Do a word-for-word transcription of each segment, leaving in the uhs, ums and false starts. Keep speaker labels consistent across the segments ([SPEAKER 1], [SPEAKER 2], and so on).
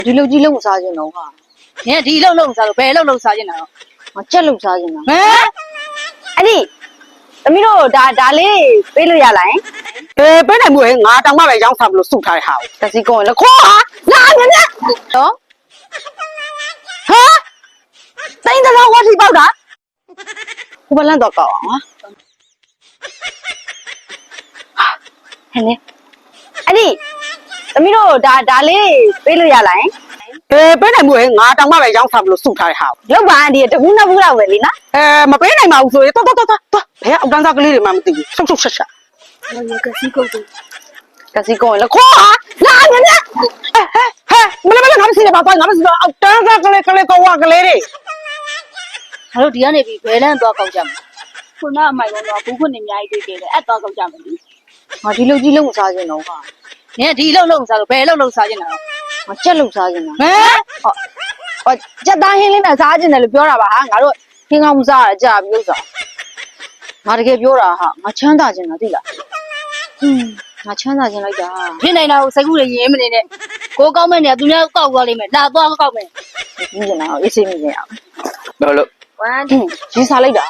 [SPEAKER 1] ဒီလူကြီးလုံးစားခြင်းတော့ဟာနင်ဒီလုံးလုံးစားလို့ဘယ်လုံးလုံးစားခြင်းတာတော့ငါကြက်လုံးစားခြင်းတာဟမ်အဲ့ဒီသမီးတို့ဒါဒါလေးပေးလို့ရလားအေးပေးနိုင်မှုဟဲ့ငါတောင်မှပဲရောင်းစားမလို့စုထားတဲ့ဟာကိုတစီကောလခေါ်ဟာလာညညတော့ဟာတိုင်းတော့ဝတ်ထိပေါက်တာဟိုဘလန်တော့ကောက်အောင်ဟာဟဲ့လေအဲ့ဒီသမီးတို့ဒါဒါလေးပေးလို့ရလားအေးပေးနိုင်မှုဟဲ့ငါတောင်မှပဲရောင်းစားမလို့စုထားတဲ့ဟာကိုလောက်ပါအန်ဒီတကူးနှစ်ဘူးလောက်ပဲလीနော်အဲမပေးနိုင်ပါဘူးဆိုရင်တော်တော်တော်တော်ဘယ်အောက်တန်းသားကလေးတွေမှမသိဘူးဆုပ်ဆုပ်ဆက်ဆက်ဟိုကစီကုတ်တယ်ကစီကုတ်လခေါ်ဟာလာညညဟဲ့မလေးမလေးငါမစီရပါတော့ငါမစီတော့အောက်တန်းသားကလေးကလေးကောဝကလေးတွေငါတို့ဒီကနေပြီးဘယ်လန်းသွားကောက်ကြမှာခုနအမိုင်ကတော့ဘူးခွနဲ့အများကြီးတွေ့ခဲ့တယ်အဲ့သွားကောက်ကြမယ်လေငါဒီလူကြီးလုံးစားခြင်းတော့ဟာနင်ဒီလုံးလုံးစားလို့ဘယ်လုံးလုံးစားခြင်းတာတော့ငါကြက်လုံးစားခြင်းတာဟမ်ဟောကြက်သားဟင်းလေးနဲ့စားခြင်းတယ်လို့ပြောတာပါဟာငါတို့ဟင်းကောင်းမစားရကြပြီဥစ္စာငါတကယ်ပြောတာဟာငါချမ်းသာခြင်းတာသိလားဟင်းငါချမ်းသာခြင်းလိုက်တာဖြစ်နေတာကိုစိတ်ကူးရရင်မနေနဲ့ကိုကောင်းမဲ့နေသူများကောက်သွားလိမ့်မယ်လာသွားကောက်မယ်ပြီးကျင်တာအေးစိတ်မြင်အောင်လို့လို့ဝမ်းရေးစားလိုက်တာ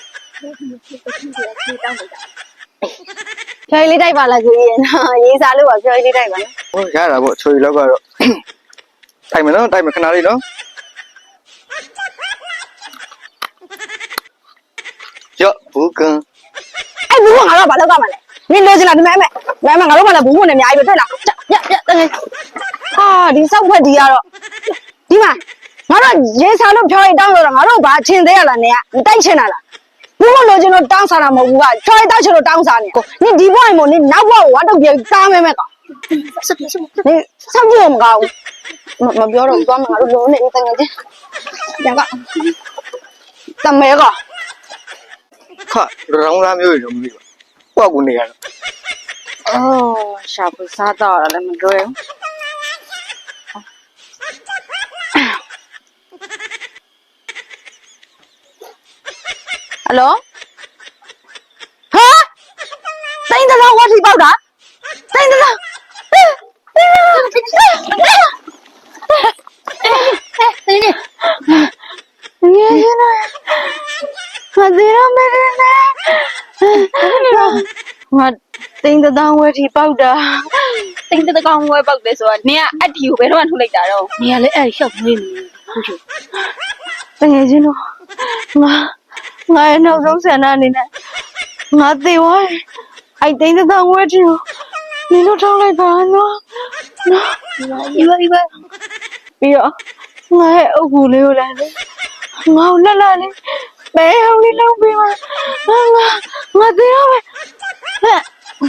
[SPEAKER 1] ဖြော်လေးတိုက်ပါလားဆိုရင်ရေးစားလို့ပါဖြော်လေးတိုက်ပါနော်
[SPEAKER 2] ဟိုရတာပေါ့ချွေလောက်ကတော့တိုက်မယ်နော်တိုက်မယ်ခဏလေးနော်ရော့ဘူးကန်
[SPEAKER 1] အဲ့ဘူးကငါတို့ဘာလောက်ကမှလဲနင်လို့စလားဒီမဲ့မဲ့မဲ့ငါတို့မှလည်းဘူးဝင်နေအများကြီးပဲထက်လားပြပြတကယ်ဟာဒီစောက်ဖက်ဒီကတော့ဒီမှာငါတို့ရေးစားလို့ဖြော်ရီတောင်းလို့တော့ငါတို့ဘာချင်းသေးရလားနင်ကတိုက်ချင်တာလားဘူးမလို့ကျွန်တော်တောင်းစားတာမဟုတ်ဘူးကဖြော်ရီတောက်ချင်လို့တောင်းစားနေကိုနင်ဒီဘွားရင်မို့နင်နောက်ဘွားကိုဝါတော့ပြေစားမဲမဲကောင်ဆက်ဆက်နင်စောက်ကြည့်မကောင်းမပြောတော့သွားမှာငါတို့လုံးနေတကယ်ချင်းညကတမဲက
[SPEAKER 2] ခါရောင်းသားမျိုးတွေတော့မသိဘူး။ကိုကကိုနေရတော့
[SPEAKER 1] ။အော်ရှာဖွေစားတော့လည်းမလွယ်ဘူး။ဟယ်လို။ဟာ။တိုင်းတလားဝတ်ထိပေါက်တာ။တိုင်းတလား။တိုင်းနေ။ငယ်ရနေ။မသေးရမယ်နဲ့။ငါတင်းတသောင်းဝဲထိပေါက်တာတင်းတကောင်ဝဲပေါက်တယ်ဆိုတာနင်ကအတီကိုဘယ်တော့မှထုတ်လိုက်တာတော့နင်ကလည်းအဲ့ရှောက်နေနေဟုတ်ချင်တကယ်ချင်းတော့ငါငါရဲ့နောက်ဆုံးဆန္ဒအနေနဲ့ငါသေသွားတယ်အဲ့တင်းတသောင်းဝဲထိကိုနင်တို့ထုတ်လိုက်ပါနော်နော်ဒီပါဒီပါပြီးတော့ငါရဲ့အုပ်ကူလေးကိုလည်းငါ့လှလှလေးဘယ်အောင်လေးလုံးပြီးမှငါငါသေတော့မယ်ဟဲ့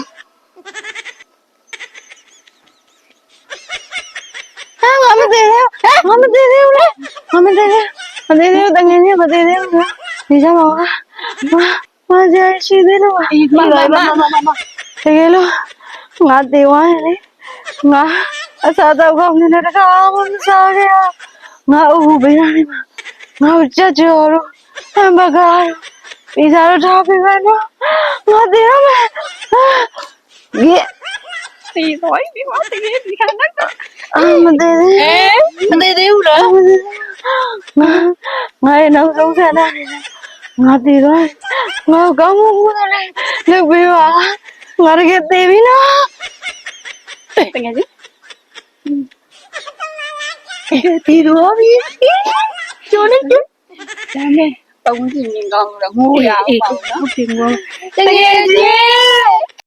[SPEAKER 1] ဟာငါမသေးသေးဘူးငါမသေးသေးဘူးလေငါမသေးသေးမသေးသေးတကယ်ကြီးမသေးသေးဘူးနေကြပါဦးမကြရှိသေးလို့မမမမမတကယ်လို့ငါသေသွားရင်လေငါအစားတော့ကောင်းနေတဲ့တကားမစားခဲ့ရငါအုပ်ပေးရတယ်ငါကြက်ကြော်တော့ဟမ်ဘဂါပီဇာတော့ထားပေးမယ်နော်ငါသေရမယ်ဒီဒီတော့ဒီမတကယ်ဒီခဏတော့အမသေးသေးမသေးသေးဘူးလားငါငါရဲ့နောက်ဆုံးဆန္ဒနေငါသေတော့ငါကောင်းမှုလည်းလုပ်ပေးပါငါတကယ်သေပြီနော်တကယ်ကြီးဒီတော့ပြီကျိုးနေတယ်ဒါနဲ့ပုံကြည့်မြင်ကောင်းတော့ငိုရအောင်ပေါ့နော်ဟုတ်ပြီငိုတကယ်ကြီး